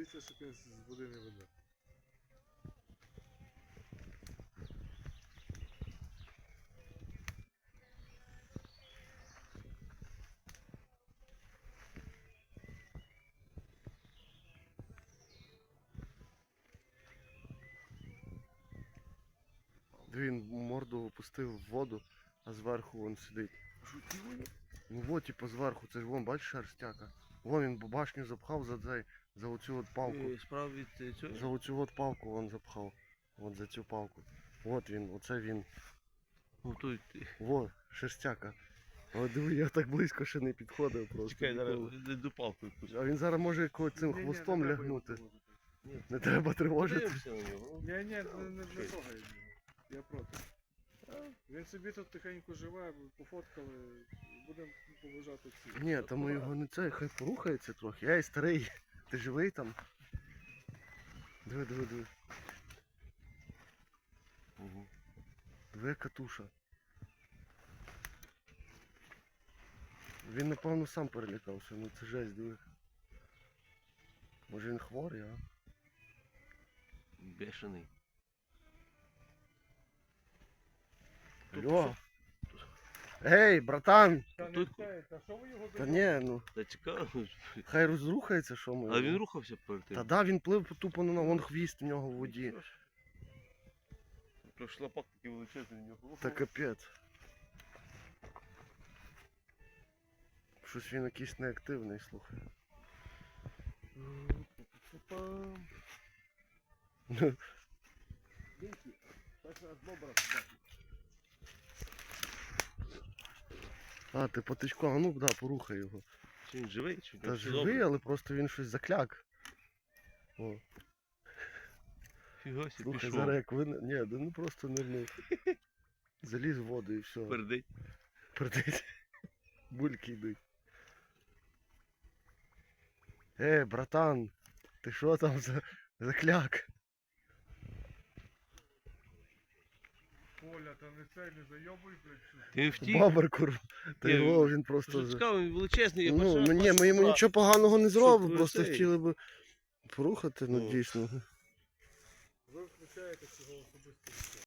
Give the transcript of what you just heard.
Дивіться, щоб він з води не веде. Він морду опустив в воду, а зверху він сидить. Ну от, типу, зверху, це ж вон, бачиш, шерстяка. Вон він башню запхав за оцю от палку. Справа від цього? За оцю от палку він запхав. От за цю палку. От він, оце він. Во, шерстяка. Але диви, я так близько ще не підходив просто. Чекай, зараз ніколи. до палку якусь. А він зараз може цим хвостом лягнути. Не треба тривожити. Подивимося на нього. Ні, не трогай його. Я проти. Він собі тут тихенько живе, пофоткали, будемо поважати всі. Ні, там його не це, хай порухається трохи. Ей, старий, ти живий там? Диви. Угу. Диви, катуша. Він, напевно, сам перелякався, ну це жесть, диви. Може він хворий, а? Бешений. Алло! Ей, братан! Та не Тут- те, та що ви його Та ні, ну, Та цікаво. хай розрухається, що ми. А він рухався перед тим. Та да, він плив тупо на вон хвіст в нього в воді. То шлапак такий величезний в нього. Та капець. Щось він якийсь неактивний, слухай. А, ти потичко, а ну да, порухай його. Чи він живий? Чи Та живий, але просто він щось закляк. О, Фіга сі, слухай, пішов. зараз як ви... Ні, да ну просто нирнув. Заліз в воду і все. Пердить. Пердить. Бульки йдуть. Братан, ти що там за кляк? Коля, та не цей, не зайобуй, блядь. Він втік. Бабар кур. Та Ні, його він просто... Що цікаво, він величезний. я Ну, перший раз ні, ми йому бачу, нічого поганого не зробимо, ви просто цей. хотіли б порухати, ну Ну. дійсно. Ви включаєте цього особисто.